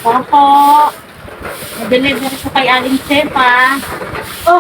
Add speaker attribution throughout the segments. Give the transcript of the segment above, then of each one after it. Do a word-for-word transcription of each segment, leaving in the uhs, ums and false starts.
Speaker 1: Opo. Na-deliver ko kay Aling Sepa.
Speaker 2: Oh.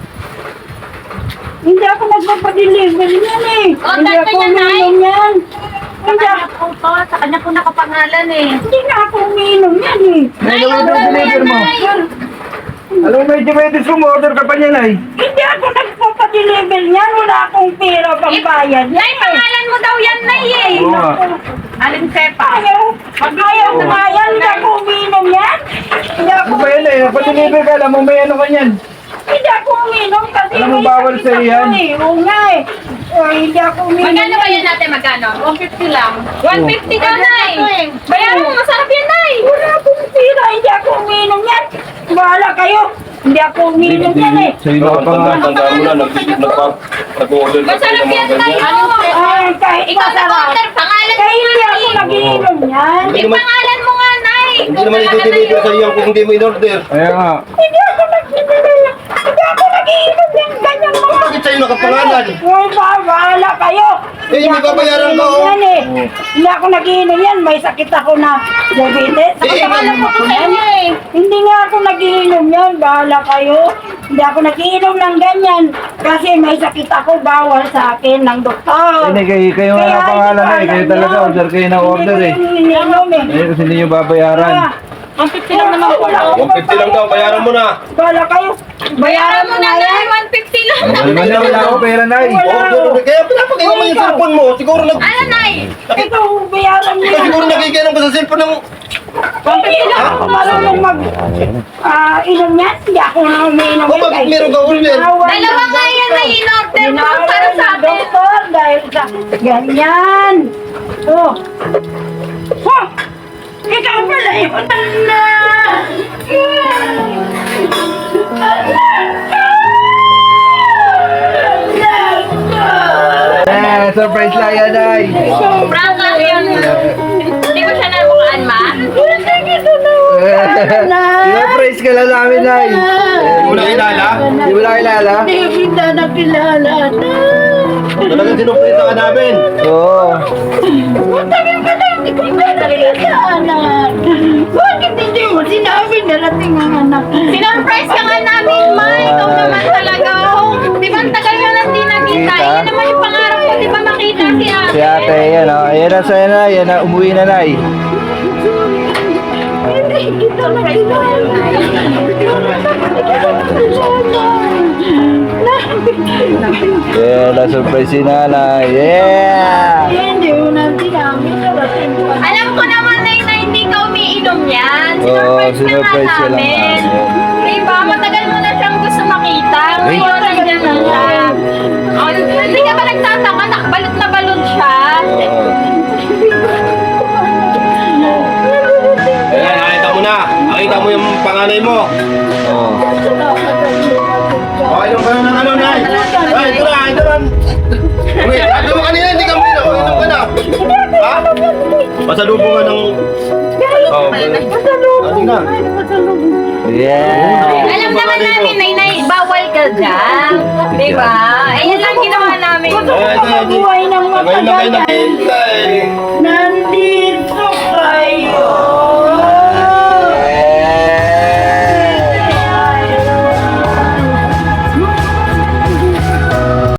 Speaker 2: Hindi ako nagpapadeliver yan eh.
Speaker 1: Oh,
Speaker 2: Hindi
Speaker 1: dahil
Speaker 2: ako
Speaker 1: kanya, Nay.
Speaker 2: uminom yan.
Speaker 1: Sa
Speaker 2: Hindi
Speaker 1: kanya
Speaker 2: ako,
Speaker 1: po to. Sa kanya po nakapangalan eh.
Speaker 2: hindi na ako uminom yan eh.
Speaker 1: Nay,
Speaker 3: Ano
Speaker 1: order
Speaker 3: yung
Speaker 1: mo yan,
Speaker 3: deliver mo?
Speaker 1: Nay.
Speaker 3: Alam mo, medyo medyo sumorder ka pa niya, Nay.
Speaker 2: Hindi ako nagpapadeliver yan. Wala akong pera pang bayad.
Speaker 1: Nay, pangalan mo daw yan, Nay eh.
Speaker 3: Oo nga.
Speaker 1: Aling Sepa.
Speaker 2: Ayaw. Ayaw na nga yan. Hindi ako uminom yan. Hindi ako
Speaker 3: Ano ba yan, Nay? Nagpa-deliver ka, alam mo, may ano ka niyan.
Speaker 2: Hindi ako uminom kasi
Speaker 3: Alam mo,
Speaker 2: may
Speaker 3: bawal
Speaker 2: sakit
Speaker 3: sa'yo
Speaker 2: ako
Speaker 3: yan.
Speaker 2: eh. Oo nga eh. Oh, hindi ako uminom.
Speaker 1: Magkano ba yan natin? Magkano? one fifty lang. one fifty daw, Nay. Bayaran mo, masarap yan, Nay.
Speaker 2: Wala akong pera. Hindi ako uminom yan. Bahala kayo. Hindi ako uminom yan eh.
Speaker 3: Sa'yo na pa nga.
Speaker 4: Tandaan mo na, nag-order ka
Speaker 1: Masarap yan, Nay.
Speaker 2: Ay, kahit
Speaker 1: Ikaw
Speaker 2: masarap.
Speaker 1: nag-order. Pangalan mo
Speaker 2: Kaya hindi
Speaker 1: nga,
Speaker 2: ako
Speaker 1: Nay.
Speaker 2: nag-iinom yan.
Speaker 1: Yung pangalan mo nga, Nay.
Speaker 4: Hindi naman i-deliver sa iyo kung hindi mo in-order.
Speaker 3: Kaya nga.
Speaker 2: Hindi ako nag-iinom. Hindi ako nag-iinom yan. Ganyan mga.
Speaker 4: Bakit sa'yo nakapangalan?
Speaker 2: Uy, ba- bahala kayo.
Speaker 4: Eh, hindi
Speaker 2: ako
Speaker 4: babayaran
Speaker 2: nag-iinom
Speaker 4: ko.
Speaker 2: yan eh. Hindi ako nag-iinom yan. May sakit ako na diabetes.
Speaker 4: Eh,
Speaker 2: Pangalan ko
Speaker 1: Ako
Speaker 2: sa
Speaker 1: sa
Speaker 2: inyo
Speaker 1: inyo eh.
Speaker 2: Hindi nga ako nagiinom yan. Bahala kayo. Hindi ako nagiinom ng ganyan. Kasi may sakit ako. Bawal sa akin ng doktor.
Speaker 3: Hindi, kayo, kayo nga
Speaker 2: Kaya
Speaker 3: ang pangalan,
Speaker 2: hindi
Speaker 3: Nay.
Speaker 2: ko
Speaker 3: Kayo
Speaker 2: alam
Speaker 3: talaga,
Speaker 2: yun.
Speaker 3: order kayo ng order eh.
Speaker 2: Hindi ko yung iniinom eh.
Speaker 3: Eh, kasi hindi nyo babayaran.
Speaker 2: Ah,
Speaker 1: one fifty lang naman po.
Speaker 4: one fifty lang daw, bayaran mo na.
Speaker 2: Bahala kayo.
Speaker 1: Bayaran mo na, Nay. one fifty lang.
Speaker 3: Ano naman na, wala akong pera, Nay.
Speaker 4: Order, kaya pinapakinggan mo yung cellphone mo. Siguro nag...
Speaker 1: Ano, Nay?
Speaker 2: Ito, bayaran mo
Speaker 4: Ikaw
Speaker 2: yan.
Speaker 4: siguro nakikialam ka sa cellphone ng...
Speaker 2: Hindi na ako marunong mag... Ah, inom yan. Hindi ako na umiinom.
Speaker 4: O, bakit meron ka order?
Speaker 1: Dalawa nga yan na in-order mo para sa atin.
Speaker 2: Doktor, dahil sa ganyan. Oh. Oh! Ikaw pala yun. Ala!
Speaker 3: Eh, surprise lang yan, Nay.
Speaker 1: Prank lang yun. Hindi mo siya nabukaan, Ma?
Speaker 3: Surprise ka lang namin, Nay.
Speaker 4: Hindi mo na kilala?
Speaker 3: Hindi mo na kilala?
Speaker 2: Hindi kita nakilala na.
Speaker 4: Talagang sinuprita ka namin.
Speaker 3: Oo.
Speaker 2: Matagal ka na, hindi ko ka nakilala. Bakit hindi mo sinabi na nating ang anak?
Speaker 1: Sinurprise ka nga namin, Ma. Ikaw naman talaga. Oh. Di ba ang tagal nyo nang di nakita?
Speaker 3: Kita?
Speaker 1: Yan naman yung pangarap ko. Di ba makita si ate?
Speaker 3: Si ate, yan o. Ayan na sa'yo na, yan na. Umuwi na, Nay.
Speaker 2: Hindi kita nakilala.
Speaker 3: Yeah, na-surprise si Nanay. Yeah!
Speaker 2: Hindi mo na sinabi na natin ko.
Speaker 1: Alam ko naman, Nay, na hindi ka umiinom yan.
Speaker 3: Oo,
Speaker 1: Sinurprise na nga
Speaker 3: sinurprise ka lang
Speaker 1: namin.
Speaker 3: namin.
Speaker 1: Diba? Matagal mo na siyang gusto makita. Ngayon, nandiyan na siya. Oh, hindi ka ba nagtataka? Nakabalot na balot siya.
Speaker 4: Ayan, nakita mo na. Nakita mo yung panganay mo.
Speaker 3: Oo.
Speaker 4: Okay, inom ka na ng ano, Nay. Ay, ito na, ito na. Uy, sabi mo kanina, hindi ka muna. Inom ka na. Ha? Pasalubong nga ng... Oh, ano na?
Speaker 3: Yeah!
Speaker 1: Alam naman namin, Nay, Nay, bawal ka dyan. Diba? Ayun lang ginawa namin.
Speaker 2: Gusto ko
Speaker 4: Ay, ito,
Speaker 2: mabuhay ng
Speaker 4: Ngayon na kayo
Speaker 2: matagal.
Speaker 4: nakihintay.
Speaker 2: Na